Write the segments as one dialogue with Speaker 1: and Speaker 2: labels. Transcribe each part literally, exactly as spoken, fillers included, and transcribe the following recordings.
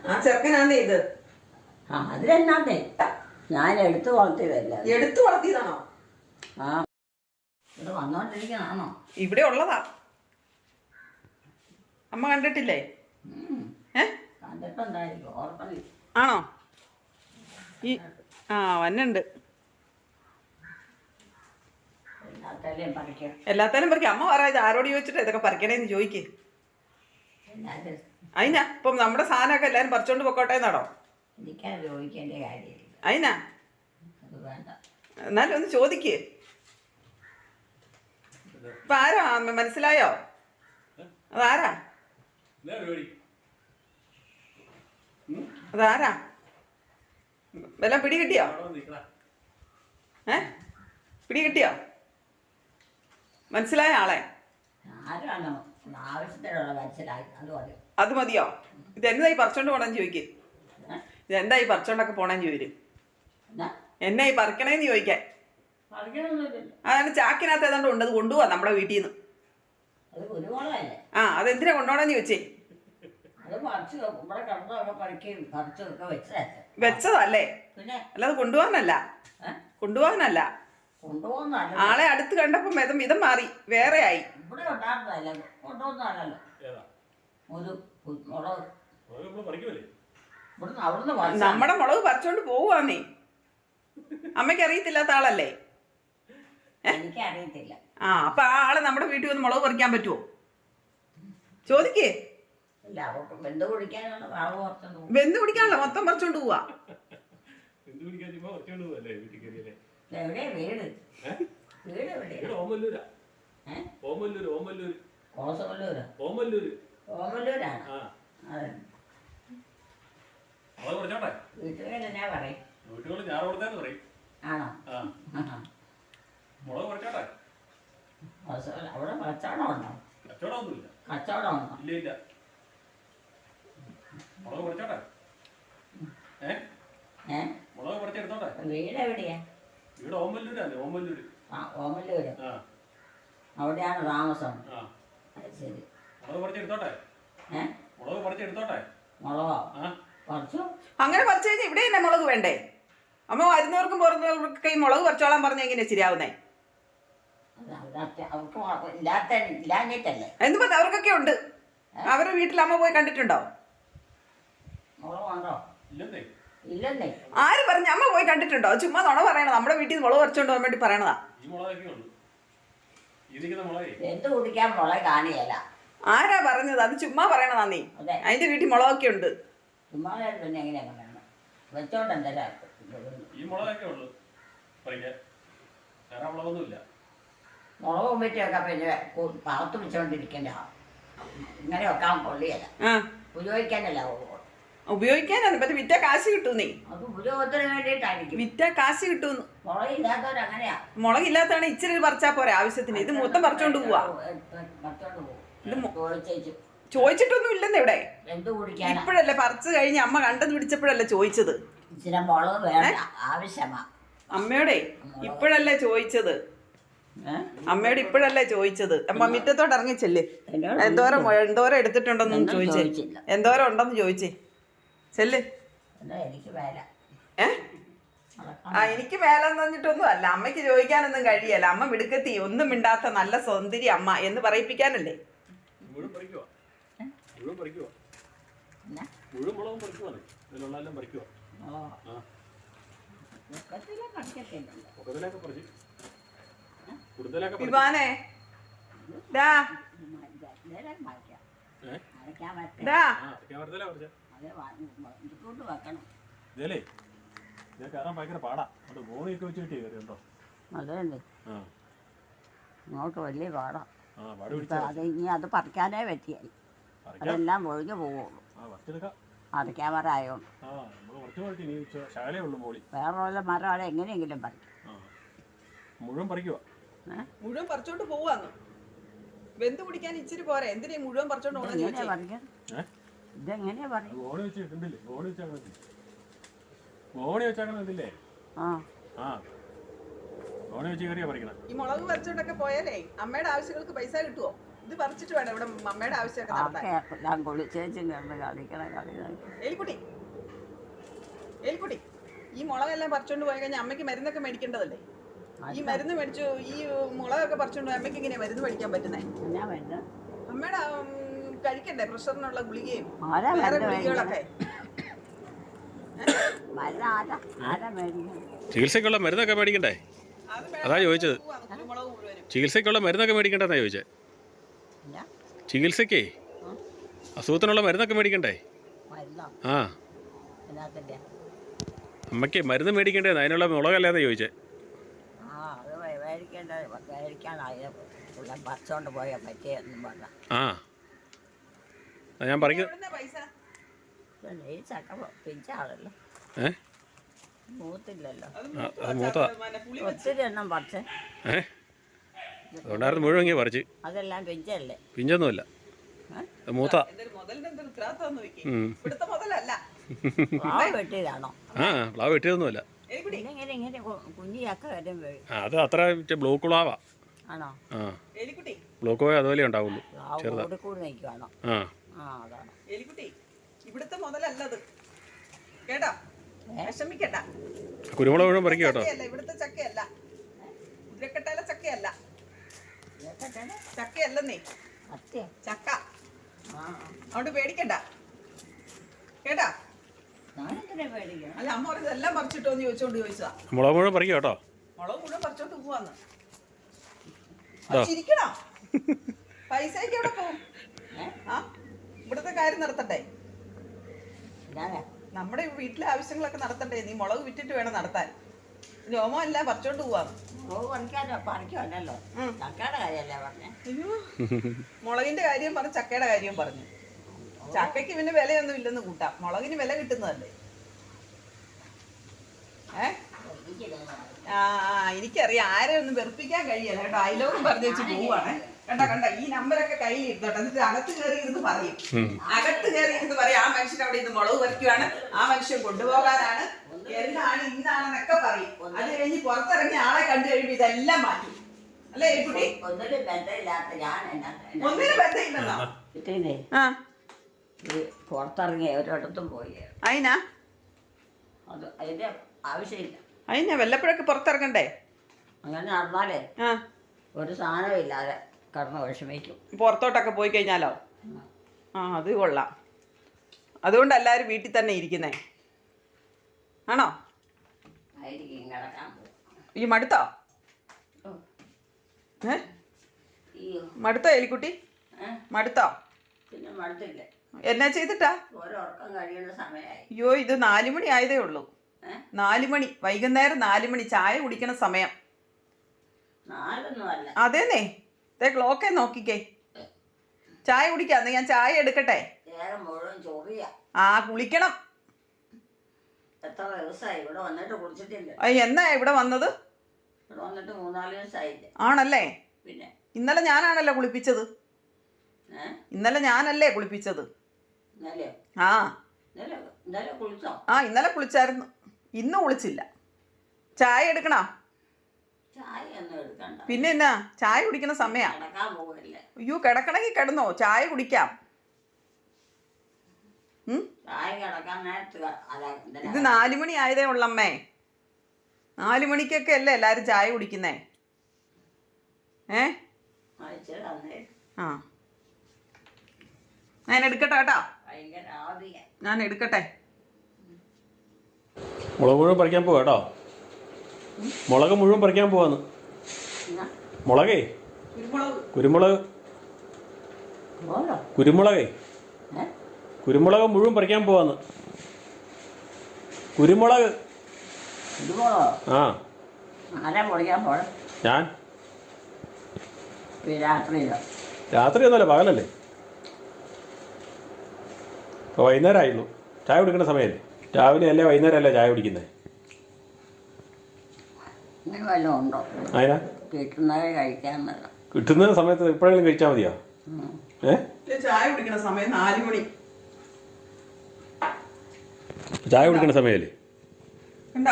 Speaker 1: ആ ചെറുക്കനാന്നേ ഇത്.
Speaker 2: ആ അതിലെന്നാന്നേ ഞാൻ എടുത്തു വളർത്തിയതല്ല.
Speaker 1: എടുത്തു വളർത്തിയതാണോ?
Speaker 2: ആ ഇവിടെ വന്നോണ്ടിരിക്കണാണോ?
Speaker 1: ഇവിടെ ഉള്ളതാ. അമ്മ കണ്ടിട്ടില്ലേ? ഏ
Speaker 2: കണ്ടിട്ടുണ്ടായിരിക്കും, ഓർമ്മ.
Speaker 1: ആണോ? ഈ ആ വന്നുണ്ട്.
Speaker 2: എല്ലാത്തേലും പറിക്കാം.
Speaker 1: എല്ലാത്തേലും പറിക്കാം. അമ്മ പറ, ഇത് ആരോട് ചോദിച്ചിട്ട് ഇതൊക്കെ പറിക്കണേന്ന് ചോദിക്കേ. അതിനാ ഇപ്പം നമ്മുടെ സാധനമൊക്കെ എല്ലാരും പറിച്ചോണ്ട് പൊക്കോട്ടെ എന്നാണോ?
Speaker 2: എനിക്കാ ചോദിക്കേണ്ട കാര്യമില്ല.
Speaker 1: അതിനാ
Speaker 2: അത് വേണ്ട.
Speaker 1: എന്നാലും ഒന്ന് ചോദിക്കേ. ഇപ്പൊ ആരാ മനസ്സിലായോ? അതാരാ? അതാരാ? വല്ലതും പിടി കിട്ടിയോ? ഏ പിടി കിട്ടിയോ? മനസ്സിലായ ആളെ?
Speaker 2: ആരാണോ ആവശ്യത്തിനുള്ള മനസ്സിലായി, അത് മതി.
Speaker 1: അത് മതിയോ? ഇത് എന്തായി പറിച്ചോണ്ട് പോണെന്ന് ചോദിക്കേ. ഇത് എന്തായി പറിച്ചോണ്ടൊക്കെ പോണെന്ന് ചോദിക്കും. എന്നായി പറിക്കണേന്ന് ചോദിക്കാൻ. അതാണ് ചാക്കിനകത്ത് ഏതാണ്ട് ഉണ്ട്, അത് കൊണ്ടുപോവാ നമ്മുടെ വീട്ടിൽ നിന്ന്. ആ അതെന്തിനാ കൊണ്ടുപോകണമെന്ന് ചോദിച്ചേ. വെച്ചതല്ലേ, അല്ലാതെ കൊണ്ടുപോകാനല്ല. കൊണ്ടുപോകാനല്ല. ആളെ അടുത്ത് കണ്ടപ്പോ മിതം മിതം മാറി, വേറെ ആയി. നമ്മുടെ മുളക് പറിച്ചോണ്ട് പോവാന്നേ. അമ്മയ്ക്ക് അറിയത്തില്ലാത്ത ആളല്ലേ?
Speaker 2: എനിക്കറിയത്തില്ല.
Speaker 1: ആ അപ്പൊ ആ ആളെ നമ്മുടെ വീട്ടിൽ വന്ന് മുളക് പറിക്കാൻ പറ്റുമോ? ചോദിക്കേ.
Speaker 2: വെന്ത്
Speaker 1: കുടിക്കാനല്ലോ, മൊത്തം പറിച്ചോണ്ട് പോവാ.
Speaker 2: എവിടെയാ വീട്? വീട് എവിടെയാ? ഓമല്ലൂരാ. വീട്ടുകാരെന്നാ പറയും? ആണോ? അവിടെ കച്ചവടം ഉണ്ടോ? കച്ചവടം ഉണ്ടോ? വീട് എവിടെയാ? ആ ഓമല്ലൂര്. അവിടെയാണ് താമസം. ശരി. മുളകോ പറിച്ചു?
Speaker 1: അങ്ങനെ പറിച്ചു കഴിഞ്ഞാൽ ഇവിടെ തന്നെ മുളക് വേണ്ടേ? അമ്മ വരുന്നവർക്കും പുറത്തുള്ളവർക്കൊക്കെ ഈ മുളക് പറിച്ചോളാൻ പറഞ്ഞ എങ്ങനെയാ ശരിയാവുന്നേ? എന്ന് പറഞ്ഞ അവർക്കൊക്കെ ഉണ്ട്. അവരുടെ വീട്ടിൽ അമ്മ പോയി കണ്ടിട്ടുണ്ടോ? ആര് പറഞ്ഞു? അമ്മ പോയി കണ്ടിട്ടുണ്ടോ? ചുമ്മാ നുണ പറയണത്. നമ്മുടെ വീട്ടിൽ നിന്ന് മുളക് പറിച്ചോണ്ട് പോകാൻ വേണ്ടി പറയണതാ. ആരാ പറഞ്ഞത്? അത് ചുമ്മാ പറയണതാ നീ. അതിന്റെ വീട്ടിൽ മുളകൊക്കെ ഉണ്ട്.
Speaker 2: മുളക് ഉമ്മിറ്റൊക്കെ പിന്നെ പാത്ത് വെച്ചോണ്ടിരിക്കണ്ട. ഇങ്ങനെ വെക്കാൻ കൊള്ളിയല്ല, ഉപയോഗിക്കാനല്ല.
Speaker 1: ഉപയോഗിക്കാനാണ്. പറ്റും വിറ്റ കാശ് കിട്ടും. നീ
Speaker 2: അത് ഉപയോഗത്തിന് വേണ്ടിയിട്ടായിരിക്കും.
Speaker 1: വിറ്റ കാശ് കിട്ടും.
Speaker 2: മുളകില്ലാത്തവരങ്ങനെയാ.
Speaker 1: മുളകില്ലാത്തതാണ് ഇച്ചിരി പറിച്ചാ പോരെ ആവശ്യത്തിന്. ഇത് മൊത്തം പറിച്ചോണ്ട് പോവാ. ചോദിച്ചിട്ടൊന്നും ഇല്ലെന്ന് ഇവിടെ. ഇപ്പോഴല്ലേ പറിച്ചു കഴിഞ്ഞ് അമ്മ കണ്ടത് പിടിച്ചപ്പോഴല്ലേ ചോദിച്ചത്. അമ്മയോടെ ഇപ്പോഴല്ലേ ചോദിച്ചത്. അമ്മയോട് ഇപ്പോഴല്ലേ ചോദിച്ചത്. അമ്മ മുറ്റത്തോട്ട് ഇറങ്ങിച്ചല്ലേ. എന്തോരം എന്തോരം എടുത്തിട്ടുണ്ടെന്ന് ചോദിച്ചേ. എന്തോരം ഉണ്ടെന്ന് ചോദിച്ചേ. ചെല്ല്. ഏ ആ എനിക്ക് മേലെന്ന് പറഞ്ഞിട്ടൊന്നും അല്ല. അമ്മയ്ക്ക് ചോദിക്കാനൊന്നും കഴിയല്ല. അമ്മ മിടുക്കത്തി, ഒന്നും മിണ്ടാത്ത നല്ല സൗന്ദര്യ അമ്മ എന്ന് പറയിപ്പിക്കാനല്ലേ. വിവാനേ ഡാ ഡാ
Speaker 2: അതല്ലേ ഇങ്ങോട്ട് വലിയ പാടാ. അത് ഇനി അത് പറിക്കാനേ പറ്റിയായി. അതെല്ലാം ഒഴിഞ്ഞു പോവുള്ളൂ. പറിക്കാൻ മരമായോണ്ട് വേറെ വല്ല മരം അവിടെ എങ്ങനെയെങ്കിലും പറിക്കും.
Speaker 1: മുഴുവൻ പറിക്കുവാ. മുഴുവൻ പറിച്ചോണ്ട് പോവാന്ന്. വെന്ത് കുടിക്കാൻ ഇച്ചിരി പോരെ. എന്തിനാ മുഴുവൻ പറിച്ചോണ്ട് പോകണം?
Speaker 2: ഇതെങ്ങനെയാ പറയും?
Speaker 1: ഈ മുളക് പറിച്ചോണ്ടൊക്കെ പോയാലേ അമ്മയുടെ ആവശ്യങ്ങൾക്ക് പൈസ കിട്ടുവോ? ഇത് പറിച്ചിട്ട് വേണം ഇവിടെ അമ്മയുടെ ആവശ്യമൊക്കെ നടത്താൻ.
Speaker 2: ഞാൻ കുളിച്ചേച്ചും കിടന്ന് കളിക്കണ കളി
Speaker 1: എലിക്കുട്ടി എലിക്കുട്ടി ഈ മുളകെല്ലാം പറിച്ചോണ്ട് പോയി കഴിഞ്ഞാൽ അമ്മയ്ക്ക് മരുന്നൊക്കെ മേടിക്കേണ്ടതല്ലേ? ഈ മരുന്ന് മേടിച്ചു ഈ മുളകൊക്കെ പറിച്ചോണ്ട് അമ്മയ്ക്ക് എങ്ങനെയാ മരുന്ന് മേടിക്കാൻ പറ്റുന്നേ?
Speaker 2: എന്നാ മരുന്ന്
Speaker 1: അമ്മയുടെ കഴിക്കണ്ടേ പ്രഷറിനുള്ള ഗുളികയും
Speaker 2: ആരാ
Speaker 1: വേറെ
Speaker 2: മരുന്ന്
Speaker 1: ഗുളികകളൊക്കെ?
Speaker 2: മരുന്ന് ആരാ ആരാ മേടിക്കുന്നത്?
Speaker 3: ചികിത്സയ്ക്കുള്ള മരുന്നൊക്കെ മേടിക്കണ്ടേ?
Speaker 1: അത്
Speaker 3: അതാ ചോദിച്ചത്.
Speaker 1: കുരുമുളക് മുഴുവനും
Speaker 3: ചികിത്സയ്ക്കുള്ള മരുന്നൊക്കെ മേടിക്കണ്ടെന്നാ ചോദിച്ചത്.
Speaker 2: എന്നാ
Speaker 3: ചികിത്സയ്ക്കേ അസുഖത്തിനുള്ള മരുന്നൊക്കെ മേടിക്കണ്ടേ?
Speaker 2: മരുന്നോ
Speaker 3: ആ
Speaker 2: എന്നാത്തിൻ്റെ?
Speaker 3: അമ്മയ്ക്ക് മരുന്ന് മേടിക്കണ്ടേന്ന് അതിനുള്ള മുളകല്ലാതെ ചോദിച്ചേ.
Speaker 2: ആ അത് മേ- മേടിക്കേണ്ട മേടിക്കാനായ ഉള്ള പറിച്ചോണ്ട് പോയാൽ പറ്റിയെന്നും പറഞ്ഞ
Speaker 3: ആ അതാ ഞാൻ പറയുന്നത്.
Speaker 1: എവിടുന്നാ പൈസ?
Speaker 2: ഈ ചക്ക പിഞ്ചാണല്ലോ,
Speaker 3: ഏ
Speaker 2: മൂത്തില്ലല്ലോ.
Speaker 1: അത്
Speaker 3: ആ, അത് മൂത്തതാ.
Speaker 1: പിന്നെ പുളി
Speaker 2: ഒത്തിരി എണ്ണം പറിച്ച്
Speaker 3: ഏ അതുകൊണ്ടായിരുന്നു മുഴുവൻ ഇങ്ങനെ പറിച്ച്.
Speaker 2: അതെല്ലാം പിഞ്ചല്ലേ.
Speaker 3: പിഞ്ചൊന്നുമില്ല,
Speaker 2: ഏ?
Speaker 3: അത് മൂത്ത.
Speaker 1: എന്തൊരു മുതലിന്റെ എന്തൊരു ഉത്തരവാദിത്തം നോക്കി.
Speaker 3: ഉം.
Speaker 1: ഇവിടുത്തെ മുതലല്ല.
Speaker 2: പ്ലാവ് വെട്ടിയതാണോ?
Speaker 3: ആ പ്ലാവ് വെട്ടിയതൊന്നുമില്ല.
Speaker 1: എലിക്കുട്ടി
Speaker 2: പിന്നെ ഇങ്ങനെ ഇങ്ങനെ കു- കുഞ്ഞി ചക്ക വരും വീഴും.
Speaker 3: ആ അത് അത്ര മറ്റേ ബ്ലോക്ക് പ്ലാവാ.
Speaker 2: ആണോ?
Speaker 3: ആ
Speaker 1: എലിക്കുട്ടി
Speaker 3: ബ്ലോക്ക് പോയാൽ അതുപോലെ ഉണ്ടാവുള്ളൂ.
Speaker 2: പ്ലാവ്
Speaker 3: ചെറുതാ.
Speaker 2: കൂടി കൂടി നിൽക്കുവാണോ?
Speaker 3: ആ
Speaker 2: ആ അതാണ്.
Speaker 1: എലിക്കുട്ടി ഇവിടുത്തെ മുതലല്ലത് കേട്ടോ, വിഷമിക്കണ്ട.
Speaker 3: കുരുമുളക് മുഴുവൻ പറിക്കുക കേട്ടോ.
Speaker 1: ചക്കയല്ല, ഇവിടുത്തെ ചക്കയല്ല, ഉരുക്കട്ടയിലെ ചക്കയല്ല,
Speaker 2: ഇതൊക്കെ
Speaker 1: ചക്കയല്ലെന്നേ
Speaker 2: സത്യം.
Speaker 1: ചക്ക.
Speaker 2: ആ
Speaker 1: അതുകൊണ്ട് പേടിക്കണ്ട കേട്ടാ.
Speaker 2: ഞാനെന്തിനാ പേടിക്കണം?
Speaker 1: അല്ല അമ്മ പറഞ്ഞത് എല്ലാം പറിച്ചിട്ടോന്ന് ചോദിച്ചോണ്ട് ചോദിച്ചതാ.
Speaker 3: മുളക് മുഴുവൻ പറിക്കുക കേട്ടോ.
Speaker 1: മുളക് മുഴുവൻ പറിച്ചോണ്ട് പോവാന്ന്.
Speaker 3: ഇതോ.
Speaker 1: ചിരിക്കണോ? പൈസയ്ക്ക് എവിടെ പോവും?
Speaker 2: ഏ?
Speaker 1: ആ ഇവിടുത്തെ കാര്യം നടത്തട്ടെ,
Speaker 2: ഇതാരാ?
Speaker 1: നമ്മുടെ വീട്ടിലെ ആവശ്യങ്ങളൊക്കെ നടത്തണ്ടേ. നീ മുളക് വിറ്റിട്ട് വേണം നടത്താൻ. രോമം എല്ലാം പറിച്ചോണ്ട് പോവാന്ന്.
Speaker 2: മുളക് പറിക്കാനോ പറിക്കുമല്ലോ.
Speaker 1: ഉം.
Speaker 2: ചക്കയുടെ കാര്യമല്ലേ പറഞ്ഞേ?
Speaker 1: അയ്യോ, മുളകിന്റെ കാര്യം പറഞ്ഞു, ചക്കയുടെ കാര്യം പറഞ്ഞു. ചക്കയ്ക്ക് പിന്നെ വിലയൊന്നും ഇല്ലെന്ന് കൂട്ടാം, മുളകിന് വില കിട്ടുന്നതല്ലേ. ഏ ആ ആ എനിക്കറിയാം, ആരെ ഒന്നും വെറുപ്പിക്കാൻ കഴിയല്ല കേട്ടോ. അയലോകം പറഞ്ഞു വെച്ച് പോവാണ് കണ്ട കണ്ട. ഈ നമ്പരൊക്കെ കയ്യിൽ ഇരുന്നോട്ടെ, എന്നിട്ട് അകത്ത് കയറി ഇരുന്ന് പറയും. അകത്ത് കയറി ഇരുന്ന് പറയും ആ മനുഷ്യൻ അവിടെ ഇരുന്ന് മുളക് പറിക്കുവാണ്, ആ മനുഷ്യൻ കൊണ്ടുപോകാനാണ്, എന്നാണ് ഇന്നാണെന്നൊക്കെ പറയും. അത് കഴിഞ്ഞ് പുറത്തിറങ്ങി ആളെ കണ്ടു കഴിയുമ്പോ ഇതെല്ലാം മാറ്റി. അല്ലേ എലിക്കുട്ടി?
Speaker 2: ഒന്നിനും ബന്ധമില്ലാത്ത ഞാൻ എന്നാ
Speaker 1: ഒന്നിനും ബന്ധമില്ലെന്നോ?
Speaker 2: കിട്ടീനേ
Speaker 1: ആ
Speaker 2: ഈ പുറത്തിറങ്ങി ഒരിടത്തും പോയി.
Speaker 1: അതിനാ
Speaker 2: അത് അതിന്റെ ആവശ്യമില്ല.
Speaker 1: അതിനാ വല്ലപ്പോഴൊക്കെ പുറത്തിറങ്ങണ്ടേ.
Speaker 2: അങ്ങനെ നടന്നാലേ
Speaker 1: ആ
Speaker 2: ഒരു സാധനവും ഇല്ലാതെ കടന്ന് വിഷമിക്കും.
Speaker 1: പുറത്തോട്ടൊക്കെ പോയി കഴിഞ്ഞാലോ? ആ അത് കൊള്ളാം. അതുകൊണ്ട് എല്ലാവരും വീട്ടിൽ തന്നെ ഇരിക്കുന്നേ ആണോ?
Speaker 2: ആയിരിക്കും കിടക്കാൻ പോകും.
Speaker 1: ഈ മടുത്തോ?
Speaker 2: ഓ,
Speaker 1: ഏ
Speaker 2: അയ്യോ.
Speaker 1: മടുത്തോ എലിക്കുട്ടി?
Speaker 2: ഏ?
Speaker 1: മടുത്തോ?
Speaker 2: പിന്നെ മടുത്തില്ലേ?
Speaker 1: എന്നാ ചെയ്തിട്ടാ?
Speaker 2: ഓരോർക്കം കഴിയുന്ന സമയമായി.
Speaker 1: അയ്യോ ഇത് നാലു മണി ആയതേ ഉള്ളൂ.
Speaker 2: ഏ?
Speaker 1: നാലു മണി, വൈകുന്നേരം നാലു മണി, ചായ കുടിക്കണ സമയം.
Speaker 2: നാലൊന്നും അല്ല.
Speaker 1: അതേന്നേ, ദേ ക്ലോക്കേ നോക്കിക്കേ. ചായ കുടിക്കാന്ന്, ഞാൻ ചായ എടുക്കട്ടെ?
Speaker 2: നേരം മുഴുവൻ ചൊറിയ.
Speaker 1: ആ കുളിക്കണം.
Speaker 2: എത്ര ദിവസമായി ഇവിടെ വന്നിട്ട് കുളിച്ചിട്ടില്ല.
Speaker 1: ആ, എന്നാ ഇവിടെ വന്നത്?
Speaker 2: ഇവിടെ വന്നിട്ട് മൂന്നാല് ദിവസമായില്ലേ.
Speaker 1: ആണല്ലേ?
Speaker 2: പിന്നെ
Speaker 1: ഇന്നലെ ഞാനാണല്ലോ കുളിപ്പിച്ചത്.
Speaker 2: ഏ
Speaker 1: ഇന്നലെ ഞാനല്ലേ കുളിപ്പിച്ചത്?
Speaker 2: ഇന്നലെയോ?
Speaker 1: ആ
Speaker 2: ഇന്നലെ ഇന്നലെ കുളിച്ചോ?
Speaker 1: ആ ഇന്നലെ കുളിച്ചായിരുന്നു, ഇന്ന് കുളിച്ചില്ല. ചായ എടുക്കണോ?
Speaker 2: ചായ ഒന്നും എടുക്കണ്ട.
Speaker 1: പിന്നെ എന്നാ, ചായ കുടിക്കണ സമയാ.
Speaker 2: കിടക്കാൻ പോകല്ലേ.
Speaker 1: അയ്യോ കിടക്കണമെങ്കിൽ കിടന്നോ, ചായ കുടിക്കാം. ഉം?
Speaker 2: ചായ കിടക്കാൻ നേരത്ത് ക- അല്ല എന്തിനാ?
Speaker 1: ഇത് നാലു മണി ആയതേ ഉള്ളമ്മേ. നാലു മണിക്കൊക്കെ അല്ലേ എല്ലാരും ചായ കുടിക്കുന്നേ. ഏ
Speaker 2: ആ, ഇച്ചിരി തന്നേ.
Speaker 1: ആ ഞാൻ എടുക്കട്ടെ കേട്ടോ,
Speaker 2: ഭയങ്കര ആദിയ.
Speaker 1: ഞാൻ എടുക്കട്ടെ.
Speaker 3: മുളക് മുഴുവൻ പറിക്കാൻ പോവാ കേട്ടോ. മുളക് മുഴുവൻ പറിക്കാൻ പോവാന്ന്.
Speaker 2: എന്നാ?
Speaker 3: മുളകേ
Speaker 1: കുരുമുളക്
Speaker 3: കുരുമുളക്
Speaker 2: പോരോ?
Speaker 3: കുരുമുളകേ
Speaker 2: ഏ?
Speaker 3: കുരുമുളക് മുഴുവൻ പറിക്കാൻ പോവാന്ന്. കുരുമുളക്.
Speaker 2: ഇതുപോലോ?
Speaker 3: ആ
Speaker 2: ആരാ പൊളിക്കാൻ പോഴ?
Speaker 3: ഞാൻ
Speaker 2: രാത്രിയിലോ?
Speaker 3: രാത്രി ഒന്നുമല്ല, പകലല്ലേ. ഇപ്പോൾ വൈകുന്നേരം ആയുള്ളൂ, ചായ കുടിക്കുന്ന സമയമല്ലേ. രാവിലെ അല്ലേ വൈകുന്നേരം അല്ലേ ചായ കുടിക്കുന്നത്.
Speaker 2: ഇങ്ങനെ വല്ലതും ഉണ്ടോ?
Speaker 3: അതിനാ
Speaker 2: കിട്ടുന്നത് കഴിക്കാന്നല്ല.
Speaker 3: കിട്ടുന്ന സമയത്ത് എപ്പോഴെങ്കിലും കഴിച്ചാൽ മതിയോ? ഏ
Speaker 1: ചായ കുടിക്കണ സമയം നാലു മണി.
Speaker 3: ചായ കുടിക്കുന്ന സമയമല്ലേ.
Speaker 1: ഉണ്ടോ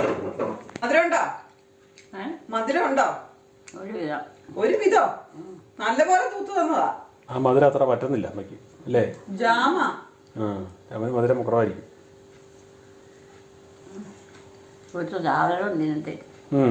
Speaker 1: മധുരം? ഉണ്ടോ
Speaker 2: ഏ?
Speaker 1: മധുരം? ഉണ്ടോ?
Speaker 2: ഒരു വിധം.
Speaker 1: ഒരു വിധോ? നല്ലപോലെ തൂത്ത് തന്നതാ.
Speaker 3: ആ മധുരം അത്ര പറ്റുന്നില്ല അമ്മയ്ക്ക് അല്ലേ?
Speaker 1: ജാമാ.
Speaker 3: ആ അവന് മധുരം കുറവായിരിക്കും.
Speaker 2: കുറച്ച് സാധനം നിന്നിട്ട്
Speaker 3: ഉം.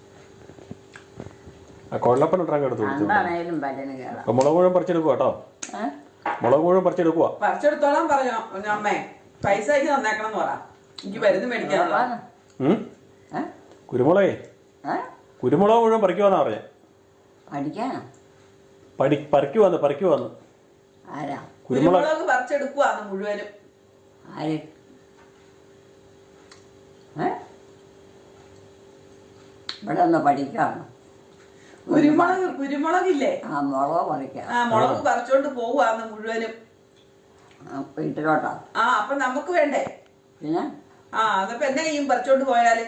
Speaker 3: ആ കൊള്ളപ്പൻ ഇട്ടാൻ എടുത്തു
Speaker 2: എന്താണേലും പല്ലിന് കേടാ.
Speaker 3: അപ്പൊ മുളക് മുഴുവൻ പറിച്ചെടുക്കുക കേട്ടോ. മുളക് മുഴുവൻ പറിച്ചെടുക്കുക.
Speaker 1: പറിച്ചെടുത്തോളാം പറഞ്ഞോ അമ്മേ. പൈസ എനിക്ക് തന്നേക്കണം എന്ന് പറ. എനിക്ക് മരുന്ന് മേടിക്കാനുള്ള.
Speaker 3: കുരുമുളകേ കുരുമുളക് മുഴുവൻ പറിക്കുവാന്നാ പറഞ്ഞേ.
Speaker 2: പഠിക്കാനോ?
Speaker 3: പടി പറിക്കുവാന്ന് പറിക്കുവാന്ന്.
Speaker 2: ആരാ?
Speaker 1: കുരുമുളക് പറിച്ചെടുക്കുവാന്ന് മുഴുവനും.
Speaker 2: ആര്? ഇവിടെ ഒന്ന് പഠിക്കാണോ?
Speaker 1: കുരുമുളക് കുരുമുളകില്ലേ?
Speaker 2: ആ മുളക് പറിക്കാം.
Speaker 1: ആ മുളക് പറിച്ചോണ്ട് പോവാന്ന് മുഴുവനും.
Speaker 2: വീട്ടിലോട്ടോ?
Speaker 1: ആ അപ്പൊ നമുക്ക് വേണ്ടേ?
Speaker 2: പിന്നെ
Speaker 1: ആ അതപ്പോ എന്നെ ചെയ്യും പറിച്ചോണ്ട് പോയാല്?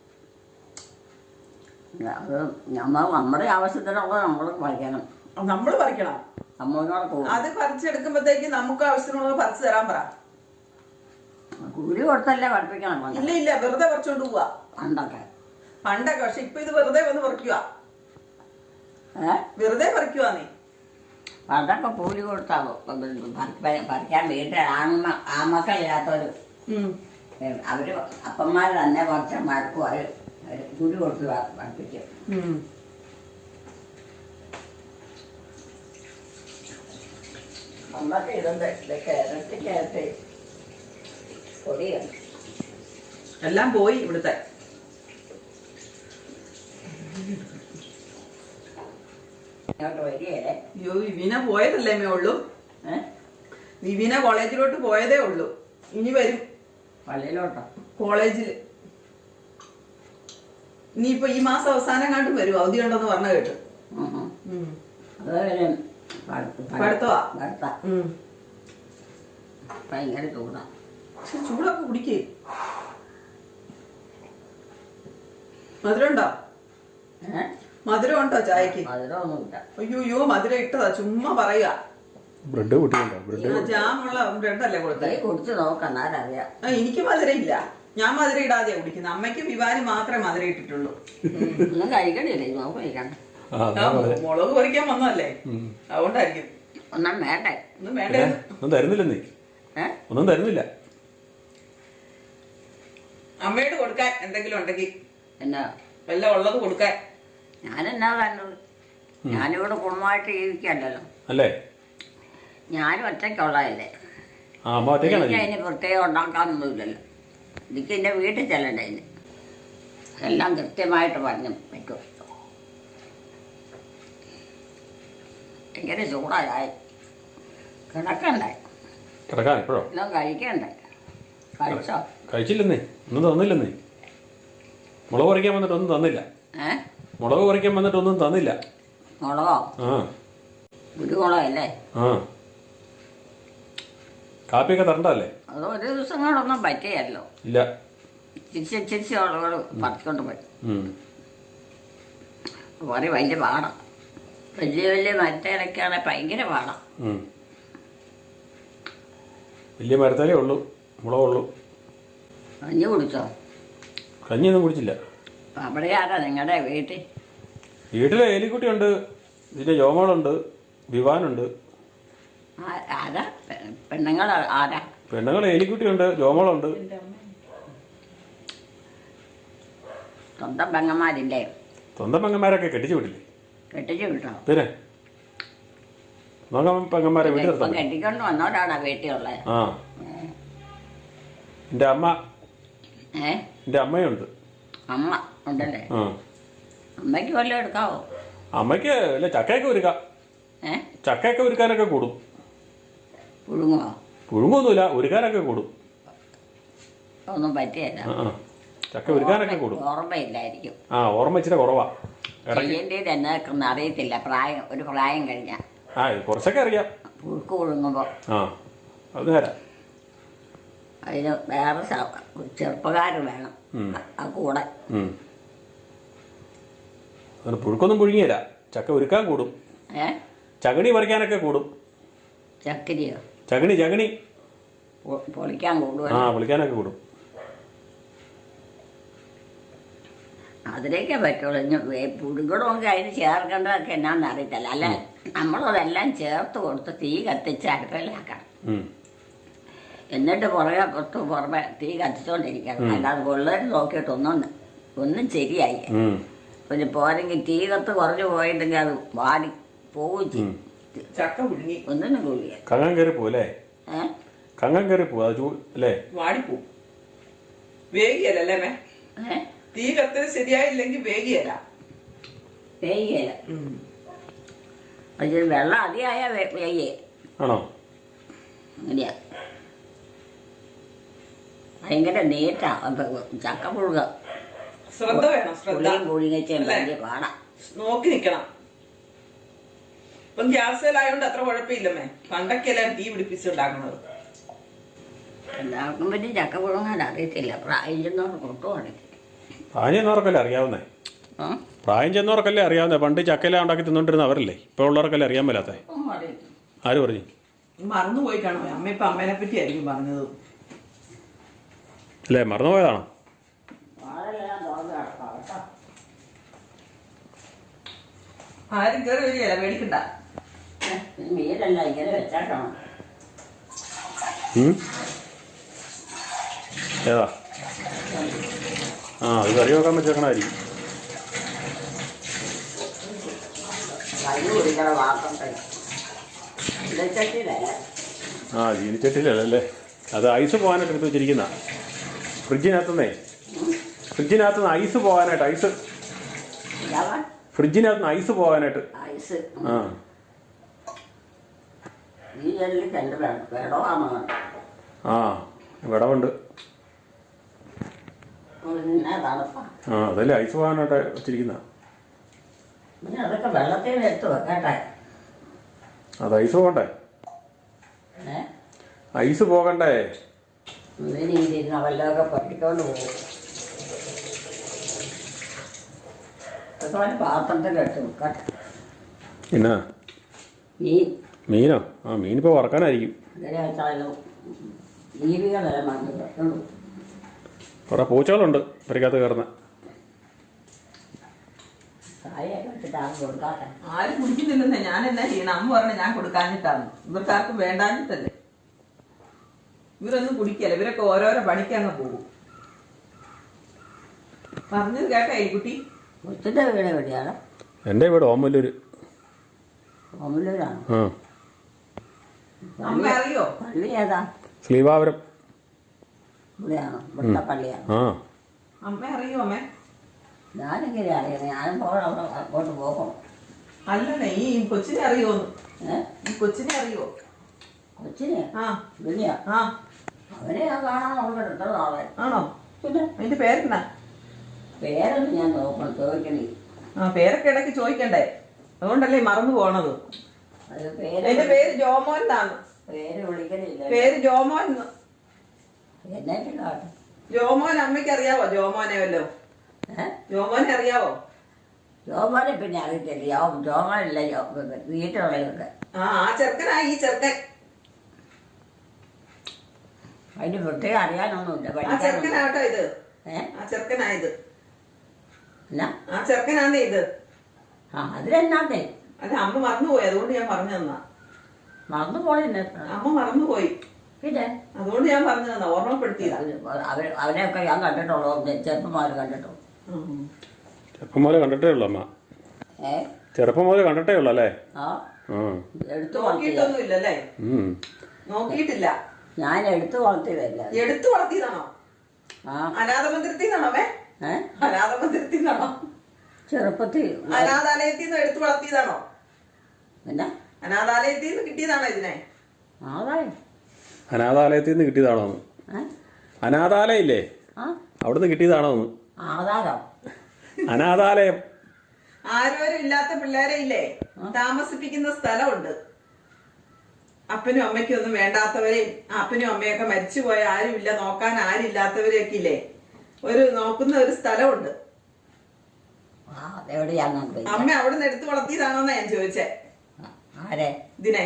Speaker 2: അത് നമ്മൾ നമ്മുടെ ആവശ്യത്തിനുള്ള നമ്മൾ പറിക്കണം.
Speaker 1: നമ്മള് പറിക്കണം.
Speaker 2: നമ്മളോട് പോകും.
Speaker 1: അത് പറിച്ചെടുക്കുമ്പോഴത്തേക്ക് നമുക്ക് ആവശ്യത്തിനുള്ളത് പറിച്ചു തരാൻ പറ.
Speaker 2: കൂലി കൊടുത്തല്ലേ പഠിപ്പിക്കണം.
Speaker 1: ഇല്ല ഇല്ല വെറുതെ പറിച്ചോണ്ട് പോവാ.
Speaker 2: പണ്ടൊക്കെ
Speaker 1: പണ്ടൊക്കെ. പക്ഷെ ഇപ്പൊ ഇത് വെറുതെ വന്ന് പറിക്കുക.
Speaker 2: ഏഹ്
Speaker 1: വെറുതെ പറിക്കുവാ നീ.
Speaker 2: പണ്ടൊക്കെ കൂലി കൊടുത്താവോ പറിക്കാൻ വീട്ടിൽ ആൺമ ആമക്കളില്ലാത്തവര് അവര് അപ്പന്മാർ തന്നെ കുറച്ച് മഴക്കും അവര് കൂലി കൊടുത്ത് പഠിപ്പിക്കും. അന്നൊക്കെ ഇതുണ്ട് ഇതൊക്കെ ഇരട്ടിക്കകത്ത് പൊടിയുണ്ട്.
Speaker 1: എല്ലാം പോയി ഇവിടുത്തെ. അയ്യോ വിവീന പോയതല്ലേ മേ ഉള്ളൂ. വിവീന കോളേജിലോട്ട് പോയതേ ഉള്ളൂ. ഇനി വരും.
Speaker 2: പള്ളിയിലോട്ടോ?
Speaker 1: കോളേജില് ഇനിയിപ്പൊ ഈ മാസം അവസാനം കണ്ടും വരും. അവധി ഉണ്ടെന്ന് പറഞ്ഞ കേട്ടു. പഠിത്തവാ.
Speaker 2: ഭയങ്കര ചൂടാ.
Speaker 1: പക്ഷെ ചൂടൊക്കെ കുടിക്കേ. മധുരം ഉണ്ടോ? മധുരം ഉണ്ടോ ചായക്ക്? അയ്യോ അയ്യോ മധുരം ഇട്ടതാ. ചുമ്മാ പറയുക.
Speaker 3: ബ്രെഡ് കൂട്ടിയുണ്ടോ? ബ്രെഡ്
Speaker 1: ജാമുള്ള ബ്രെഡല്ലേ കൊടുത്തേ?
Speaker 2: കുടിച്ച് നോക്കാം അറിയാം.
Speaker 1: എനിക്ക് മധുരം ഇല്ല. ഞാൻ മധുരം ഇടാതെയാ കുടിക്കുന്നത്. അമ്മയ്ക്ക് വിവാനും മാത്രമേ മധുരം ഇട്ടിട്ടുള്ളൂ.
Speaker 2: ഒന്നും കഴിക്കണില്ലേ? നോക്ക് കഴിക്കണ്ട.
Speaker 1: മുളക് പറിക്കാൻ വന്നതല്ലേ, അതുകൊണ്ടായിരിക്കും.
Speaker 2: ഒന്നും വേണ്ടേ?
Speaker 1: ഒന്നും വേണ്ടേ?
Speaker 3: ഒന്നും തരുന്നില്ല നീ. ഒന്നും തരുന്നില്ല.
Speaker 1: അമ്മയോട് കൊടുക്കാൻ എന്തെങ്കിലും ഉണ്ടെങ്കിൽ
Speaker 2: എന്നാ
Speaker 1: വല്ല ഉള്ളത് കൊടുക്കാൻ.
Speaker 2: ഞാനെന്നാ പറഞ്ഞത്? ഞാനിവിടെ കുടുംബമായിട്ട് ജീവിക്കല്ലോ
Speaker 3: അല്ലേ?
Speaker 2: ഞാനും ഒറ്റയ്ക്കുള്ളതല്ലേ.
Speaker 3: എനിക്ക്
Speaker 2: അതിന് പ്രത്യേകം ഉണ്ടാക്കാനൊന്നുമില്ലല്ലോ. എനിക്ക് എൻ്റെ വീട്ടിൽ ചെല്ലണ്ടേ. ഇതിന് എല്ലാം കൃത്യമായിട്ട് പറഞ്ഞു വെക്കും. ഭയങ്കര ചൂടായി. കിടക്കണ്ടേ?
Speaker 3: കിടക്കാൻ ഇപ്പോഴോ?
Speaker 2: എല്ലാം കഴിക്കണ്ടേ? കഴിച്ചോ?
Speaker 3: കഴിച്ചില്ലെന്നേ. ഒന്നും തന്നില്ലെന്നേ. മുളക് പറിക്കാൻ വന്നിട്ട് ഒന്നും തന്നില്ല.
Speaker 2: ഏ
Speaker 3: മുളക് പറിക്കാൻ വന്നിട്ട് ഒന്നും തന്നില്ല.
Speaker 2: മുളകോ?
Speaker 3: ആ
Speaker 2: കുരുമുളകല്ലേ?
Speaker 3: ആ കാപ്പിയൊക്കെ തരണ്ടല്ലേ?
Speaker 2: അത് ഒരു ദിവസം കൊണ്ടൊന്നും പറ്റിയല്ലോ.
Speaker 3: ഇല്ല.
Speaker 2: ചിരിച്ച് ചിരിച്ച് ആളുകൾ പറിക്കൊണ്ട് പോയി. കുറേ വലിയ പാടാം. വലിയ വലിയ മരത്തേലൊക്കെയാണെ ഭയങ്കര പാടാം.
Speaker 3: വലിയ മരത്തേലേ ഉള്ളൂ മുളകുള്ളൂ.
Speaker 2: കഞ്ഞി കുടിച്ചോ?
Speaker 3: കഞ്ഞിയൊന്നും കുടിച്ചില്ല.
Speaker 2: അവിടെ ആരാ നിങ്ങളുടെ വീട്ടിൽ?
Speaker 3: വീട്ടിലെ എലിക്കുട്ടിയുണ്ട്, ഇതിൻ്റെ ജോമോളുണ്ട്, വിവാനുണ്ട്.
Speaker 2: ആരാ പെണ്ണുങ്ങൾ? ആരാ
Speaker 3: പെണ്ണുങ്ങൾ? എലിക്കുട്ടിയുണ്ട്, ജോമോളുണ്ട്.
Speaker 2: സ്വന്തം പെങ്ങന്മാരില്ലേ?
Speaker 3: സ്വന്തം പെങ്ങന്മാരൊക്കെ കെട്ടിച്ചു വിട്ടില്ലേ?
Speaker 2: കെട്ടിച്ചു വിട്ടോ?
Speaker 3: പിന്നെ പെങ്ങന്മാരെ വീട്ടിൽ നിർത്താൻ
Speaker 2: കെട്ടിക്കൊണ്ട് വന്നവരാണോ വീട്ടിലുള്ളത്?
Speaker 3: ആ എൻ്റെ അമ്മ.
Speaker 2: ഏ
Speaker 3: എൻ്റെ അമ്മയുണ്ട്.
Speaker 2: അമ്മ ഉണ്ടല്ലേ?
Speaker 3: ആ
Speaker 2: അമ്മയ്ക്ക് വല്ലതും എടുക്കാവോ?
Speaker 3: അമ്മയ്ക്ക് അല്ല ചക്കയൊക്കെ ഒരുക്കാം.
Speaker 2: ഏ
Speaker 3: ചക്കയൊക്കെ ഒരുക്കാനൊക്കെ കൂടും.
Speaker 2: പുഴുങ്ങോ?
Speaker 3: പുഴുങ്ങൊന്നുമില്ല, ഒരുക്കാനൊക്കെ കൂടും.
Speaker 2: ഒന്നും പറ്റിയല്ല.
Speaker 3: ആ ചക്ക ഒരുക്കാനൊക്കെ കൂടും.
Speaker 2: ഓർമ്മയില്ലായിരിക്കും.
Speaker 3: ആ ഓർമ്മ ഇച്ചിരി കുറവാ.
Speaker 2: ചെയ്യേണ്ടത് എന്നൊന്നും അറിയത്തില്ല. പ്രായം ഒരു പ്രായം കഴിഞ്ഞാൽ
Speaker 3: ആ കുറച്ചൊക്കെ അറിയാം.
Speaker 2: പുഴുക്ക് പുഴുങ്ങുമ്പോൾ
Speaker 3: ആ അത് നേരാ.
Speaker 2: അതിന് വേറെ ചെറുപ്പക്കാർ വേണം ആ കൂടെ.
Speaker 3: അങ്ങനെ പുഴുക്കൊന്നും പുഴുങ്ങിയില്ല. ചക്ക ഒരുക്കാൻ കൂടും.
Speaker 2: ഏ
Speaker 3: ചകണി പറിക്കാനൊക്കെ കൂടും.
Speaker 2: ചക്കിരിയോ?
Speaker 3: ചകണി ചകണി
Speaker 2: പൊളിക്കാൻ കൂടും.
Speaker 3: ആ പൊളിക്കാനൊക്കെ കൂടും.
Speaker 2: അതിലേക്കേ പറ്റുള്ളൂ. പുഴുങ്ങണമെങ്കിൽ അതിന് ചേർക്കേണ്ടതൊക്കെ എന്നാന്ന് അറിയത്തില്ല അല്ലേ? നമ്മളതെല്ലാം ചേർത്ത് കൊടുത്ത് തീ കത്തിച്ച് അടുപ്പിലാക്കണം.
Speaker 3: ഉം.
Speaker 2: എന്നിട്ട് പുറകെ പുറത്ത് പുറമെ തീ കത്തിച്ചോണ്ടിരിക്കണം. അല്ലാതെ പിള്ളേർ നോക്കിയിട്ടൊന്നും ഒന്നും ശരിയായി.
Speaker 3: ഉം.
Speaker 2: പിന്നെ പോരെങ്കിൽ തീ കത്ത് കുറഞ്ഞു പോയിട്ടുണ്ടെങ്കിൽ അത് വാടി പോവുകയും ചെയ്യും.
Speaker 1: ചക്ക പുഴുങ്ങി
Speaker 2: ഒന്നിനും കൂടിയ
Speaker 3: കങ്ങൻ കയറി പോവല്ലേ?
Speaker 2: ഏഹ്
Speaker 3: കങ്ങൻ കയറി പോവും അത് ചൂ അല്ലേ?
Speaker 1: വാടിപ്പോ വേഗിയല്ലേ മേ?
Speaker 2: ഏഹ്
Speaker 1: തീ കത്തിന് ശരിയായില്ലെങ്കിൽ വേഗിയല്ല.
Speaker 2: വേയ്യല പക്ഷെ വെള്ളം അധികമായ വേയ്യേ
Speaker 3: ആണോ?
Speaker 2: അങ്ങനെയാ. ഭയങ്കര നീറ്റാ ചക്ക പുഴുക.
Speaker 1: ശ്രദ്ധ വേണം, ശ്രദ്ധ.
Speaker 2: പുളിയും പുഴുങ്ങച്ചും വലിയ പാടാം.
Speaker 1: നോക്കി നിക്കണം. ഇപ്പം ഗ്യാസിലായോണ്ട് അത്ര കുഴപ്പമില്ലമ്മേ. പണ്ടൊക്കെയല്ലേ തീ പിടിപ്പിച്ചുണ്ടാക്കുന്നത്.
Speaker 2: എല്ലാവർക്കും പറ്റി ചക്ക പുഴുങ്ങാൻ അറിയത്തില്ല. പ്രായം ചെന്നവർക്ക് ഒട്ടും അറിയത്തില്ല.
Speaker 3: പ്രായം ചെന്നവർക്കല്ലേ അറിയാവുന്നേ?
Speaker 2: ആ
Speaker 3: പ്രായം ചെന്നവർക്കല്ലേ അറിയാവുന്നേ? പണ്ട് ചക്കയെല്ലാം ഉണ്ടാക്കി തിന്നോണ്ടിരുന്ന അവരല്ലേ? ഇപ്പോൾ ഉള്ളവർക്കല്ലേ അറിയാൻ മേലാത്തേ?
Speaker 2: ഒന്നും അറിയത്തില്ല.
Speaker 3: ആര് പറഞ്ഞു?
Speaker 1: മറന്നുപോയി കാണോ? അമ്മ ഇപ്പൊ അമ്മേനെ പറ്റി ആയിരിക്കും പറഞ്ഞത്.
Speaker 3: അല്ലേ, മറന്നുപോയതാണോ?
Speaker 2: വാഴയെല്ലാം തുറന്ന് കിടക്കാം കേട്ടോ.
Speaker 1: ആരും കയറി വരികയല്ല, പേടിക്കണ്ട.
Speaker 2: മീനല്ല ഇങ്ങനെ വെച്ചാട്ടാണ്.
Speaker 3: ഉം? ഏതാ? ആ ഇത് കറി വെക്കാൻ വെച്ചേക്കണായിരിക്കും.
Speaker 2: കഞ്ഞി കുടിക്കണ വാർത്തേ ഇടച്ചട്ടിയിലല്ല.
Speaker 3: ആ ചീനിച്ചട്ടിയിലല്ലേ? അത് ഐസ് പോകാനായിട്ട് എടുത്ത് വെച്ചിരിക്കുന്ന ഫ്രിഡ്ജിനകത്തുനിന്നേ. ഫ്രിഡ്ജിനകത്തുനിന്ന് ഐസ് പോകാനായിട്ട്. ഐസ് ഫ്രിഡ്ജിനകത്തുനിന്ന് ഐസ് പോകാനായിട്ട്.
Speaker 2: ഐസ്
Speaker 3: ആ
Speaker 2: ഈ ജനലിൽ രണ്ട് വെടമാണ്.
Speaker 3: ആ വിടവുണ്ട്.
Speaker 2: പിന്നെ തണുപ്പാ.
Speaker 3: ആ അതല്ലേ ഐസ് പോകാനായിട്ട് വെച്ചിരിക്കുന്ന.
Speaker 2: പിന്നെ അതൊക്കെ വെള്ളത്തിൽ എടുത്ത് വെക്കട്ടെ.
Speaker 3: അത് ഐസ് പോകണ്ടേ?
Speaker 2: ഏ
Speaker 3: ഐസ് പോകണ്ടേ?
Speaker 2: ഇതിന് ഇരുന്ന് വല്ലതൊക്കെ പഠിക്കൊണ്ട് പോകും. അതുപോലെ പാത്രത്തിൽ എടുത്ത് വെക്കട്ടെ.
Speaker 3: എന്നാ
Speaker 2: മീൻ
Speaker 3: മീനോ? ആ മീനിപ്പോൾ വറക്കാനായിരിക്കും.
Speaker 2: അങ്ങനെ വെച്ചാലും ജീവികളെല്ലാം വന്ന് വെക്കണം.
Speaker 3: കുറേ പൂച്ചകളുണ്ട് പെരക്കകത്ത് കയറുന്ന.
Speaker 2: ചായയൊക്കെ വെച്ചിട്ടാണ് കൊടുക്കാട്ടെ.
Speaker 1: ആരും കുടിക്കുന്നില്ലെന്നേ. ഞാൻ എന്നാ ചെയ്യണം? അമ്മ പറഞ്ഞ ഞാൻ കൊടുക്കാഞ്ഞിട്ടാണ്. ഇവർക്കാർക്കും വേണ്ടാഞ്ഞിട്ടല്ലേ. ഇവരൊന്നും കുടിക്കല്ല. ഇവരൊക്കെ ഓരോരോ പണിക്ക് അങ്ങ് പോകും. പറഞ്ഞത് കേട്ടോ എലിക്കുട്ടി?
Speaker 2: കൊച്ചിൻ്റെ വീട് എവിടെയാണ്?
Speaker 3: എൻ്റെ വീട് ഓമല്ലൂർ.
Speaker 2: ഓമല്ലൂരാണ്.
Speaker 3: ആ
Speaker 1: അമ്മ അറിയോ?
Speaker 2: പള്ളി ഏതാ?
Speaker 3: ശ്രീവാപുരം.
Speaker 2: ഇവിടെയാണോ? ഇവിടുത്തെ പള്ളിയാണ്.
Speaker 3: ആ
Speaker 1: അമ്മ അറിയോ? അമ്മേ
Speaker 2: ഞാനെങ്ങനെ അറിയാം? ഞാനും പോകണം അവിടെ അങ്ങോട്ട് പോകണം.
Speaker 1: അല്ലല്ലേ, ഈ കൊച്ചിനെ അറിയോന്ന്?
Speaker 2: ഏഹ്
Speaker 1: ഈ കൊച്ചിനെ അറിയോ?
Speaker 2: കൊച്ചിനെ?
Speaker 1: ആ
Speaker 2: ഇവിടെയാ?
Speaker 1: ആ
Speaker 2: അവനെ ഞാൻ കാണാൻ നോക്കണം. എത്ര നാളെ.
Speaker 1: ആണോ?
Speaker 2: പിന്നെ
Speaker 1: അതിന്റെ പേരെന്നാ?
Speaker 2: പേരൊന്നും ഞാൻ നോക്കണം, ചോദിക്കണേ.
Speaker 1: ആ പേരൊക്കെ ഇടയ്ക്ക് ചോദിക്കണ്ടേ? അതുകൊണ്ടല്ലേ ഈ മറന്നു പോണത്.
Speaker 2: അത് പേര്
Speaker 1: എന്റെ പേര് ജോമോൻ എന്നാണ്.
Speaker 2: പേര് വിളിക്കണില്ല.
Speaker 1: പേര് ജോമോൻ.
Speaker 2: എന്നായിട്ട് കാട്ടും.
Speaker 1: ജോമോൻ അമ്മയ്ക്ക് അറിയാവോ? ജോമോനെ വല്ലോ?
Speaker 2: ഏഹ്
Speaker 1: ജോമോനെ അറിയാവോ?
Speaker 2: ജോമാനെ പിന്നെ അറിയത്തില്ല. ജോ ജോമാനല്ല വീട്ടിലുള്ളതൊക്കെ.
Speaker 1: ആ ആ ചെറുക്കനാ ഈ ചെറുക്കൻ.
Speaker 2: അതിന് പ്രത്യേകം അറിയാനൊന്നുമില്ല.
Speaker 1: ആ
Speaker 2: പഠിക്കാനൊന്നും.
Speaker 1: ചെറുക്കനാട്ടോ ഇത്.
Speaker 2: ഏഹ്
Speaker 1: ആ ചെറുക്കനായത്.
Speaker 2: എന്നാ
Speaker 1: ആ ചെറുക്കനാന്നേ ഇത്.
Speaker 2: ആ അതിലെന്നാന്നേ
Speaker 1: അല്ല, അമ്മ മറന്നുപോയി. അതുകൊണ്ട് ഞാൻ പറഞ്ഞു തന്നാ.
Speaker 2: മറന്നു പോണെന്നെ.
Speaker 1: അമ്മ മറന്നുപോയി.
Speaker 2: പിന്നെ
Speaker 1: അതുകൊണ്ട് ഞാൻ പറഞ്ഞു തന്നാ, ഓർമ്മപ്പെടുത്തിയതാ.
Speaker 2: അവർ അവരെയൊക്കെ ഞാൻ കണ്ടിട്ടുള്ളൂ. ചെറുപ്പന്മാർ കണ്ടിട്ടുള്ളൂ.
Speaker 3: ചെറുപ്പം മുതൽ കണ്ടിട്ടേ ഉള്ളൂ അമ്മ.
Speaker 2: ഏ
Speaker 3: ചെറുപ്പം മുതൽ കണ്ടിട്ടേ ഉള്ളൂ അല്ലേ?
Speaker 2: ആ
Speaker 3: ആ
Speaker 2: എടുത്തു
Speaker 1: നോക്കിയിട്ടൊന്നും ഇല്ലല്ലേ?
Speaker 3: ഉം.
Speaker 1: നോക്കിയിട്ടില്ല.
Speaker 2: ഞാൻ എടുത്തു വളർത്തിയതല്ല.
Speaker 1: എടുത്തു വളർത്തിയതാണോ?
Speaker 2: ആ
Speaker 1: അനാഥ മന്ദിരത്തിൽ നിന്നാണോ? മേ
Speaker 2: ഏ
Speaker 1: അനാഥ മന്ദിരത്തിൽ നിന്നാണോ?
Speaker 2: ചെറുപ്പത്തിൽ
Speaker 1: അനാഥാലയത്തിൽ നിന്ന് എടുത്തു വളർത്തിയതാണോ?
Speaker 2: പിന്നെ
Speaker 1: അനാഥാലയത്തിൽ നിന്ന് കിട്ടിയതാണോ ഇതിനെ?
Speaker 2: ആദായം.
Speaker 3: അനാഥാലയത്തിൽ നിന്ന് കിട്ടിയതാണോ?
Speaker 2: ഏ
Speaker 3: അനാഥാലയം ഇല്ലേ,
Speaker 2: ആ
Speaker 3: അവിടുന്ന് കിട്ടിയതാണോ?
Speaker 2: ആധാരം.
Speaker 3: അനാഥാലയം.
Speaker 1: ആരോരും ഇല്ലാത്ത പിള്ളേരെ ഇല്ലേ താമസിപ്പിക്കുന്ന സ്ഥലമുണ്ട്. അപ്പനും അമ്മയ്ക്കും ഒന്നും വേണ്ടാത്തവരെയും അപ്പനും അമ്മയൊക്കെ മരിച്ചുപോയ ആരുമില്ല, നോക്കാൻ ആരില്ലാത്തവരെയൊക്കെ ഇല്ലേ ഒരു നോക്കുന്ന ഒരു സ്ഥലമുണ്ട്.
Speaker 2: ആ അതെവിടെയാന്ന്
Speaker 1: അമ്മ അവിടെ നിന്ന് എടുത്തു വളർത്തിയതാണോന്നാ ഞാൻ ചോദിച്ചേ.
Speaker 2: ആരെ?
Speaker 1: ഇതിനെ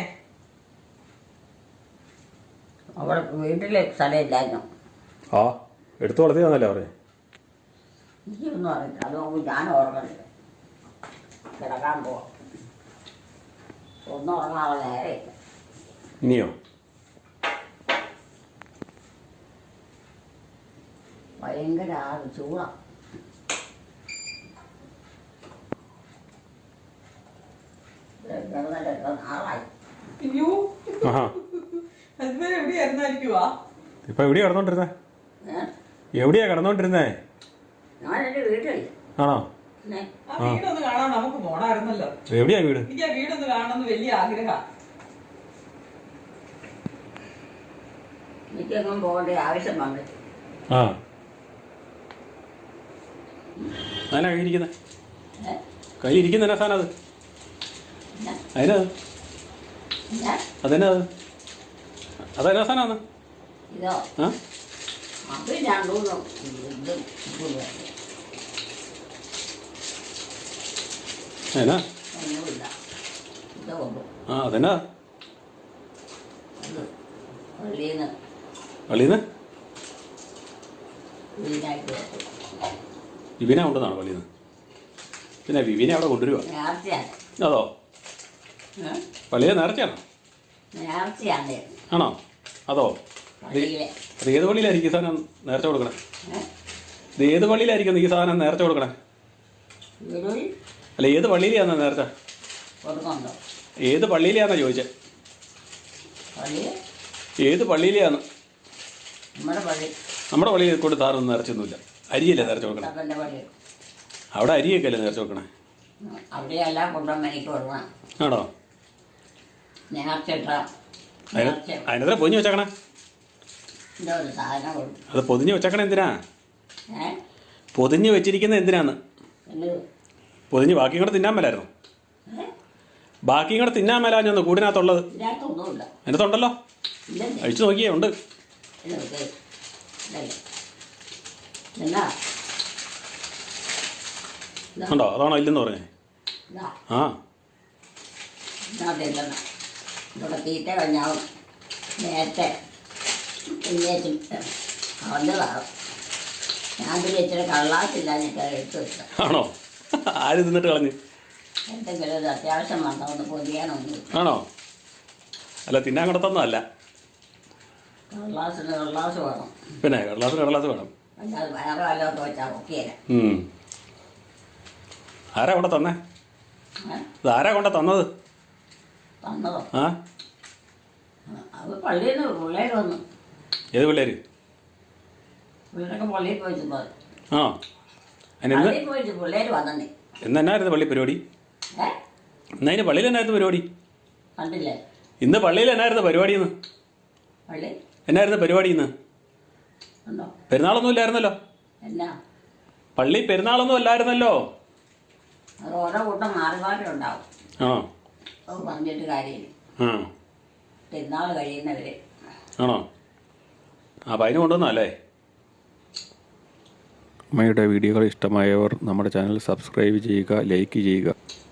Speaker 2: അവിടെ വീട്ടില് സ്ഥലമില്ലായിരുന്നു.
Speaker 3: ആ എടുത്തു വളർത്തിയതാണല്ലേ പറഞ്ഞേ?
Speaker 2: എനിക്കൊന്നും അറിയില്ല. അത് നോക്കുമ്പോൾ ഞാൻ ഓർക്കണില്ല. കിടക്കാൻ പോവാം. ഒന്നും ഉറങ്ങാനുള്ള നേരമില്ല.
Speaker 3: ഇനിയോ?
Speaker 2: ഭയങ്കര ആറ് ചൂടാണ്. നാളായി.
Speaker 1: അയ്യോ
Speaker 3: ആഹാ
Speaker 1: അതുവരെ എവിടെയായിരുന്നായിരിക്കുവാ?
Speaker 3: ഇപ്പൊ എവിടെയാ കിടന്നോണ്ടിരുന്നേ?
Speaker 2: ഏഹ്
Speaker 3: എവിടെയാ കിടന്നോണ്ടിരുന്നേ?
Speaker 2: ഞാനെൻ്റെ വീട്ടിൽ.
Speaker 3: ആണോ?
Speaker 2: പിന്നെ
Speaker 1: ആ വീടൊന്ന് കാണാൻ നമുക്ക് പോണായിരുന്നല്ലോ.
Speaker 3: എവിടെയാ വീട്?
Speaker 1: എനിക്ക് ആ വീടൊന്ന് കാണണമെന്ന് വലിയ ആഗ്രഹം.
Speaker 2: എനിക്കെങ്ങും പോകേണ്ട ആവശ്യം വന്നിട്ട്.
Speaker 3: ആ അതിനാ കൈ ഇരിക്കുന്നേ?
Speaker 2: ഏഹ്
Speaker 3: കൈ ഇരിക്കുന്ന എന്നാ സാധനം അത്?
Speaker 2: പിന്നെ
Speaker 3: അതിനാ
Speaker 2: പിന്നെ
Speaker 3: അതെന്നാ അത്? അതെന്നാ സാധനമാണ്?
Speaker 2: ഇതോ
Speaker 3: ആ
Speaker 2: അത് രണ്ടൂന്നും ഇത്
Speaker 3: എന്നാ?
Speaker 2: ഒന്നുമില്ല. ഇത് കൊണ്ടു
Speaker 3: ആ അതെന്നാ?
Speaker 2: അത് പള്ളിയിൽ നിന്ന്
Speaker 3: പള്ളിന്ന്
Speaker 2: വീടായിട്ട്
Speaker 3: വിവിനെ കൊണ്ടുവന്നാണോ പള്ളിന്ന്? പിന്നെ വിവിനെ അവിടെ കൊണ്ടുവരുവാ?
Speaker 2: നേർച്ചയാണ്.
Speaker 3: അതോ?
Speaker 2: ഏഹ്
Speaker 3: പള്ളിയെ നേർച്ചയാണോ?
Speaker 2: നേർച്ചയാണ്
Speaker 3: ആണോ? അതോ?
Speaker 2: പള്ളിയിലെ.
Speaker 3: അത് ഏത് പള്ളിയിലായിരിക്കും ഈ സാധനം നേർച്ച കൊടുക്കണേ?
Speaker 2: ഏഹ്
Speaker 3: ഇത് ഏത് പള്ളിയിലായിരിക്കും ഈ സാധനം നേർച്ച കൊടുക്കണേ?
Speaker 2: വീടുകളിൽ
Speaker 3: അല്ല ഏത് പള്ളിയിലാന്നാ നേർച്ച?
Speaker 2: കൊടുക്കുന്നുണ്ടോ?
Speaker 3: ഏത് പള്ളിയിലാന്നാ ചോദിച്ചേ?
Speaker 2: പള്ളിയിൽ
Speaker 3: ഏത് പള്ളിയിലാന്ന്?
Speaker 2: നമ്മുടെ പള്ളി
Speaker 3: നമ്മുടെ പള്ളിയിൽ കൊണ്ട് സാറൊന്നും നേർച്ചയൊന്നുമില്ല. അരിയല്ലേ നേർച്ച കൊടുക്കണേ?
Speaker 2: തപ്പൻ്റെ പള്ളി.
Speaker 3: അവിടെ അരിയൊക്കെ അല്ലേ നേർച്ച കൊടുക്കണേ?
Speaker 2: അവിടെയെല്ലാം കൊണ്ടുവന്ന് എനിക്ക് കൊടുക്കണം.
Speaker 3: ആണോ?
Speaker 2: നേർച്ച ഇട്ട
Speaker 3: അതിന്
Speaker 2: നേർച്ച
Speaker 3: അതിനെത്ര പൊതിഞ്ഞ് വെച്ചേക്കണേ?
Speaker 2: എൻ്റെ ഒരു സാധനം കൊടുക്കും.
Speaker 3: അത് പൊതിഞ്ഞ് വെച്ചേക്കണേ എന്തിനാ?
Speaker 2: ഏഹ്
Speaker 3: പൊതിഞ്ഞ് വെച്ചിരിക്കുന്നത് എന്തിനാന്ന്?
Speaker 2: എന്ത്
Speaker 3: പൊതിഞ്ഞ് ബാക്കിയും കൂടെ തിന്നാൻ മേലായിരുന്നു.
Speaker 2: ഏഹ്
Speaker 3: ബാക്കിയും കൂടെ തിന്നാൻ മേലാഞ്ഞൊന്ന് കൂടിനകത്തുള്ളത്.
Speaker 2: ഇതിനകത്തൊന്നുമില്ല.
Speaker 3: അതിനകത്തുണ്ടല്ലോ,
Speaker 2: ഇല്ലെന്നേ.
Speaker 3: അഴിച്ചു നോക്കിയേ ഉണ്ട്.
Speaker 2: ഇല്ല, ഇത് ഇതല്ലേ. എന്നാ ഇതാ
Speaker 3: ഉണ്ടോ? അതാണോ ഇല്ലെന്ന് പറഞ്ഞേ?
Speaker 2: ഇതാ
Speaker 3: ആ
Speaker 2: ഇതിനകത്തില്ലെന്ന ഇവിടെ തീറ്റ കഴിഞ്ഞാവും നേരത്തെ പിന്നേച്ചും കളഞ്ഞതാണ്. ഞാൻ പിന്നെ ഇച്ചിരി കള്ളാച്ചില്ല എനിക്ക് എടുത്തു വെച്ചത്.
Speaker 3: ആണോ? ആര് തിന്നിട്ട് കളഞ്ഞ്?
Speaker 2: എന്തെങ്കിലും ഒരു അത്യാവശ്യം വന്നതൊന്ന് പൊതിയാനൊന്നും.
Speaker 3: ആണോ? അല്ല തിന്നാൻ കൊടുത്തൊന്നും.
Speaker 2: കള്ളാസിന് കള്ളാസ് വേണം.
Speaker 3: പിന്നെ കടലാസ് കടലാസ് വേണം.
Speaker 2: അല്ലാതെ വേറെ വല്ലതൊക്കെ വെച്ചാൽ ഒക്കെയല്ല.
Speaker 3: ഉം. ആരാ കൊണ്ട് തന്നേ? ഇത് ആരാ കൊണ്ട് തന്നത്?
Speaker 2: തന്നതോ?
Speaker 3: ആ
Speaker 2: അത് പള്ളിയിൽ നിന്ന് പിള്ളേർ വന്നു.
Speaker 3: ഏത് പിള്ളേര്?
Speaker 2: പിള്ളേരൊക്കെ പള്ളിയിൽ പോയിട്ട് പോയി.
Speaker 3: ആ അതിന് ഇന്ന്
Speaker 2: പള്ളിയിൽ പോയിട്ട് പിള്ളേർ വന്നേ.
Speaker 3: ഇന്ന് എന്നായിരുന്നു പള്ളി പരിപാടി?
Speaker 2: ഏ
Speaker 3: ഇന്ന് അതിന് പള്ളിയിൽ എന്നായിരുന്നു പരിപാടി?
Speaker 2: കണ്ടില്ലേ?
Speaker 3: ഇന്ന് പള്ളിയിൽ എന്നായിരുന്നു പരിപാടി? ഇന്ന്
Speaker 2: പള്ളി
Speaker 3: എന്നായിരുന്നു പരിപാടി? ഇന്ന്
Speaker 2: ഉണ്ടോ?
Speaker 3: പെരുന്നാളൊന്നും ഇല്ലായിരുന്നല്ലോ.
Speaker 2: എന്നാ
Speaker 3: പള്ളി പെരുന്നാളൊന്നും അല്ലായിരുന്നല്ലോ.
Speaker 2: അത് ഓരോ കൂട്ടം മാറി മാറി ഉണ്ടാവും.
Speaker 3: ആണോ?
Speaker 2: അത് പറഞ്ഞിട്ട് കാര്യമില്ല.
Speaker 3: ആ
Speaker 2: പെരുന്നാൾ കഴിയുന്നവരെ.
Speaker 3: ആണോ? ആ അപ്പം അതിന് കൊണ്ടുവന്നല്ലേ. അമ്മയുടെ വീഡിയോകൾ ഇഷ്ടമായവർ നമ്മുടെ ചാനൽ സബ്സ്ക്രൈബ് ചെയ്യുക, ലൈക്ക് ചെയ്യുക.